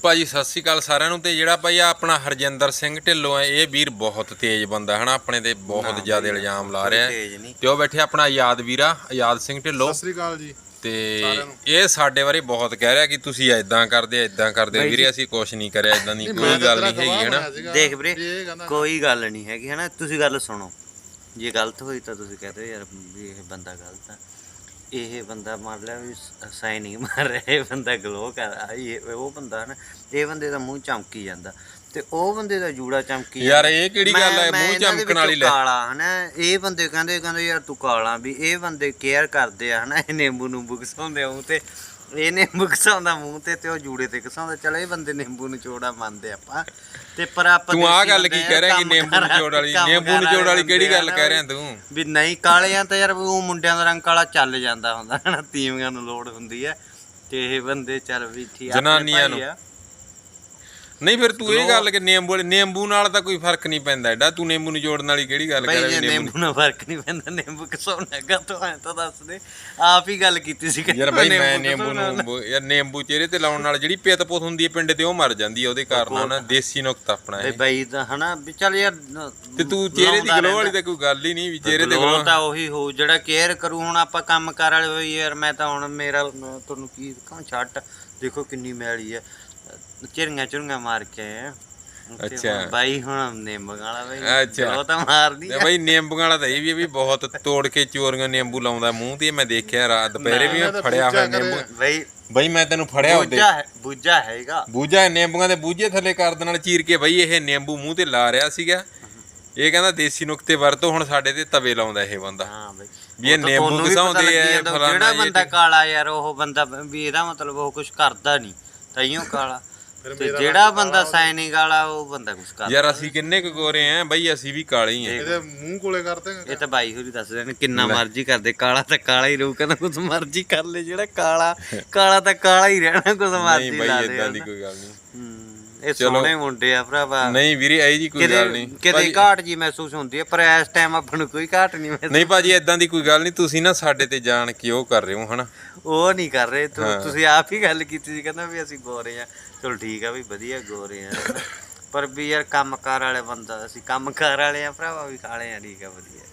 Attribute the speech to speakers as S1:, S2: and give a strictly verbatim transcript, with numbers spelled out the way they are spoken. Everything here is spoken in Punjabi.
S1: ਭਾਜੀ ਸਤਿ ਸ਼੍ਰੀ ਅਕਾਲ ਸਾਰਿਆਂ ਨੂੰ। ਤੇ ਜਿਹੜਾ ਭਾਈ ਆਪਣਾ ਹਰਜਿੰਦਰ ਸਿੰਘ ਢਿੱਲੋਂ ਹੈ, ਇਹ ਵੀਰ ਬਹੁਤ ਤੇਜ਼ ਬੰਦਾ ਹੈ ਨਾ, ਆਪਣੇ ਤੇ ਬਹੁਤ ਜ਼ਿਆਦਾ ਇਲਜ਼ਾਮ ਲਾ ਰਿਹਾ ਤੇ ਉਹ ਬੈਠੇ ਆਪਣਾ ਆਜ਼ਾਦ ਵੀਰਾ ਆਜ਼ਾਦ ਸਿੰਘ ਢਿੱਲੋਂ।
S2: ਸਤਿ ਸ਼੍ਰੀ ਅਕਾਲ ਜੀ।
S1: ਤੇ ਇਹ ਸਾਡੇ ਬਾਰੇ ਬਹੁਤ ਕਹਿ ਰਿਹਾ ਕਿ ਤੁਸੀਂ ਐਦਾਂ ਕਰਦੇ ਐਦਾਂ ਕਰਦੇ ਵੀਰੇ, ਅਸੀਂ ਕੁਛ ਨਹੀਂ ਕਰਿਆ, ਐਦਾਂ ਦੀ ਕੋਈ ਗੱਲ ਨਹੀਂ ਹੈਗੀ ਹੈ ਨਾ।
S3: ਦੇਖ ਵੀਰੇ ਕੋਈ ਗੱਲ ਨਹੀਂ ਹੈਗੀ ਹੈ ਨਾ, ਤੁਸੀਂ ਗੱਲ ਸੁਣੋ। ਜੇ ਗਲਤ ਹੋਈ ਤਾਂ ਤੁਸੀਂ ਕਹਦੇ ਯਾਰ ਵੀ ਇਹ ਬੰਦਾ ਗਲਤ ਆ, ਇਹ ਬੰਦਾ ਮੰਨ ਲਿਆ ਵੀ ਸਾਈਨ ਨਹੀਂ ਮਾਰ ਰਿਹਾ, ਇਹ ਬੰਦਾ ਗਲੋ ਕਰ ਇਹ ਉਹ ਬੰਦਾ ਨਾ, ਇਹ ਬੰਦੇ ਦਾ ਮੂੰਹ ਚਮਕੀ ਜਾਂਦਾ ਤੇ ਉਹ ਬੰਦੇ ਦਾ ਜੂੜਾ ਚਮਕੀ
S1: ਯਾਰ। ਇਹ ਕਿਹੜੀ ਗੱਲ ਹੈ ਮੂੰਹ ਚਮਕਣ ਵਾਲੀ? ਲੈ
S3: ਕਾਲਾ ਹਨਾ, ਇਹ ਬੰਦੇ ਕਹਿੰਦੇ ਕਹਿੰਦੇ ਯਾਰ ਤੂੰ ਕਾਲਾ, ਵੀ ਇਹ ਬੰਦੇ ਕੇਅਰ ਕਰਦੇ ਆ ਹਨਾ, ਇਹ ਨਿੰਬੂ ਨੂੰਬੂ ਘਸਾਉਂਦੇ ਆ ਮੂੰਹ ਤੇ, ਇਹ ਨਿੰਬੂ ਘਸਾਉਂਦਾ ਮੂੰਹ ਤੇ ਤੇ ਉਹ ਜੂੜੇ ਤੇ ਘਸਾਉਂਦਾ। ਚਲ ਇਹ ਬੰਦੇ ਨਿੰਬੂ ਨਿਚੋੜਾ ਮੰਨਦੇ ਆਪਾਂ ਤੇ, ਪਰ ਆਪਾਂ
S1: ਤੂੰ ਆਹ ਗੱਲ ਕੀ ਕਹਿ ਰਿਹਾ ਕਿ ਨਿੰਬੂ ਨਿਚੋੜ ਵਾਲੀ? ਨਿੰਬੂ ਨਿਚੋੜ ਵਾਲੀ ਕਿਹੜੀ ਗੱਲ ਕਹਿ ਰਿਹਾ ਤੂੰ?
S3: ਵੀ ਨਹੀਂ ਕਾਲੇ ਆ ਤਾਂ ਯਾਰ ਉਹ ਮੁੰਡਿਆਂ ਦਾ ਰੰਗ ਕਾਲਾ ਚੱਲ ਜਾਂਦਾ ਹੁੰਦਾ ਹਨਾ, ਤੀਵੀਆਂ ਨੂੰ ਲੋੜ ਹੁੰਦੀ ਹੈ ਤੇ ਇਹ ਬੰਦੇ ਚੱਲ ਵੀ ਠੀਕ
S1: ਜਨਾਨੀਆਂ ਨੂੰ ਨਹੀਂ। ਫਿਰ ਤੂੰ ਇਹ ਗੱਲ ਕਿ ਨਿੰਬੂ ਨਿੰਬੂ ਨਾਲ ਤਾਂ ਕੋਈ ਫਰਕ ਨਹੀਂ ਪੈਂਦਾ ਐਡਾ, ਤੂੰ ਨਿੰਬੂ ਨਿਚੋੜਨ ਵਾਲੀ ਕਿਹੜੀ ਗੱਲ ਕਰ ਰਿਹਾ?
S3: ਨਿੰਬੂ ਨਾਲ ਫਰਕ ਨਹੀਂ ਪੈਂਦਾ, ਨਿੰਬੂ ਘਸਾਉਣਾ ਹੈਗਾ ਤੂੰ ਐ ਤਾਂ ਦੱਸ ਦੇ, ਆਪ ਹੀ ਗੱਲ ਕੀਤੀ ਸੀ
S1: ਯਾਰ ਬਾਈ। ਮੈਂ ਨਿੰਬੂ ਨੂੰ ਯਾਰ ਨਿੰਬੂ ਚਿਹਰੇ ਤੇ ਲਾਉਣ ਨਾਲ ਜਿਹੜੀ ਪਿੱਤ ਪੁੱਤ ਹੁੰਦੀ ਹੈ ਪਿੰਡ ਤੇ ਉਹ ਮਰ ਜਾਂਦੀ ਹੈ, ਉਹਦੇ ਕਾਰਨ ਨਾ ਦੇਸੀ ਨੁਕਤਾ ਆਪਣਾ ਇਹ
S3: ਬਾਈ ਦਾ ਹਨਾ ਵੀ। ਚੱਲ ਯਾਰ
S1: ਤੇ ਤੂੰ ਚਿਹਰੇ ਦੀ ਗਲੋ ਵਾਲੀ ਤਾਂ ਕੋਈ ਗੱਲ ਹੀ ਨਹੀਂ ਵੀ ਚਿਹਰੇ ਤੇ ਗਲੋ
S3: ਤਾਂ ਉਹੀ ਹੋ ਜਿਹੜਾ ਕੇਅਰ ਕਰੂ। ਹੁਣ ਆਪਾਂ ਕੰਮ ਕਾਰ ਵਾਲੇ ਹੋਈ ਯਾਰ, ਮੈਂ ਤਾਂ ਹੁਣ ਮੇਰਾ ਤੁਹਾਨੂੰ ਕੀ ਕਹਾਂ, ਛੱਟ ਦੇਖੋ ਕਿੰਨੀ ਮੈਲੀ ਹੈ, ਚਿਰੀਆਂ ਚੁਰੀਆਂ ਮਾਰ ਕੇ ਆਏ ਆ।
S1: ਅੱਛਾ
S3: ਬਾਈ ਹੁਣ ਨਿੰਬੂ ਵਾਲਾ ਬਾਈ,
S1: ਅੱਛਾ
S3: ਉਹ ਤਾਂ ਮਾਰਦੀ
S1: ਆ ਬਾਈ। ਨਿੰਬੂ ਵਾਲਾ ਤਾਂ ਇਹ ਵੀ ਵੀ ਬਹੁਤ ਤੋੜ ਕੇ ਚੋਰੀਆਂ ਨਿੰਬੂ ਲਾਉਂਦਾ ਮੂੰਹ ਤੇ, ਮੈਂ ਦੇਖਿਆ ਰਾਤ ਦੁਪਹਿਰੇ ਵੀ ਫੜਿਆ ਹੋਇਆ ਨਿੰਬੂ।
S3: ਬਾਈ
S1: ਬਾਈ ਮੈਂ ਤੈਨੂੰ ਫੜਿਆ ਉਹਦੇ
S3: ਬੂਝਾ ਹੈਗਾ,
S1: ਬੂਝਾ ਨਿੰਬੂਆਂ ਦੇ ਬੂਝੇ ਥੱਲੇ ਕਰਦ ਨਾਲ ਚੀਰ ਕੇ ਬਾਈ ਇਹ ਨਿੰਬੂ ਮੂੰਹ ਤੇ ਲਾ ਰਿਹਾ ਸੀਗਾ। ਇਹ ਕਹਿੰਦਾ ਦੇਸੀ ਨੁਕਤੇ ਵਰਤੋ, ਹੁਣ ਸਾਡੇ ਤੇ ਤਵੇ ਲਾਉਂਦਾ ਇਹ ਬੰਦਾ।
S3: ਹਾਂ ਬਾਈ
S1: ਵੀ ਇਹ ਨਿੰਬੂ ਘਸਾਉਂਦੇ ਆ ਫਲਾਣਾ।
S3: ਜਿਹੜਾ ਬੰਦਾ ਕਾਲਾ ਯਾਰ ਉਹ ਬੰਦਾ ਵੀ ਇਹਦਾ ਮਤਲਬ ਉਹ ਕੁਝ ਕਰਦਾ ਨਹੀਂ ਤਾਈਓ ਕਾਲਾ, ਤੇ ਜਿਹੜਾ ਬੰਦਾ ਸਾਈਨਿੰਗ ਵਾਲਾ ਉਹ ਬੰਦਾ ਕੁਝ ਕਰਦਾ।
S1: ਯਾਰ ਅਸੀਂ ਕਿੰਨੇ ਕੁ ਗੋਰੇ ਆ ਬਾਈ, ਅਸੀਂ ਵੀ ਕਾਲੇ ਹੀ ਆ।
S2: ਇਹਦੇ ਮੂੰਹ ਕੋਲੇ ਕਰਦੇ
S3: ਇਹ ਤਾਂ ਬਾਈ ਹੋਰੀ ਦੱਸਦੇ ਨੇ ਕਿੰਨਾ ਮਰਜ਼ੀ ਕਰਦੇ, ਕਾਲਾ ਤਾਂ ਕਾਲਾ ਹੀ ਰਹੂ, ਕਹਿੰਦਾ ਕੁਝ ਮਰਜ਼ੀ ਕਰ ਲੈ, ਜਿਹੜਾ ਕਾਲਾ ਕਾਲਾ ਤਾਂ ਕਾਲਾ ਹੀ ਰਹਿਣਾ, ਕੁਝ ਮਰਜ਼ੀ ਲਾ ਦੇ।
S1: ਇਦਾਂ ਦੀ ਕੋਈ ਗੱਲ ਨਹੀਂ,
S3: ਇਹ ਸੋਹਣੇ ਮੁੰਡੇ ਆ ਭਰਾਵਾ।
S1: ਨਹੀਂ ਵੀਰੇ ਐ ਜੀ ਕੋਈ ਗੱਲ ਨਹੀਂ,
S3: ਕਿਤੇ ਘਾਟ ਜੀ ਮਹਿਸੂਸ ਹੁੰਦੀ ਹੈ, ਪਰ ਇਸ ਟਾਈਮ ਆਪਾਂ ਨੂੰ ਕੋਈ ਘਾਟ ਨਹੀਂ ਮਹਿਸੂਸ।
S1: ਨਹੀਂ ਭਾਜੀ ਏਦਾਂ ਦੀ ਕੋਈ ਗੱਲ ਨਹੀਂ, ਤੁਸੀਂ ਨਾ ਸਾਡੇ ਤੇ ਜਾਣ ਕੇ ਉਹ ਕਰ ਰਹੇ ਹੋ ਹਨਾ।
S3: ਉਹ ਨਹੀਂ ਕਰ ਰਹੇ, ਤੁਸੀਂ ਆਪ ਹੀ ਗੱਲ ਕੀਤੀ ਸੀ, ਕਹਿੰਦਾ ਵੀ ਅਸੀਂ ਗੋਰੇ ਆ। ਚਲੋ ਠੀਕ ਆ ਵੀ ਵਧੀਆ ਗੋਰੇ ਆ, ਪਰ ਵੀ ਯਾਰ ਕੰਮ ਕਾਰ ਵਾਲੇ ਬੰਦਾ, ਅਸੀਂ ਕੰਮ ਕਾਰ ਵਾਲੇ ਆ ਭਰਾਵਾ, ਵੀ ਕਾਲੇ ਆ, ਠੀਕ ਆ ਵਧੀਆ।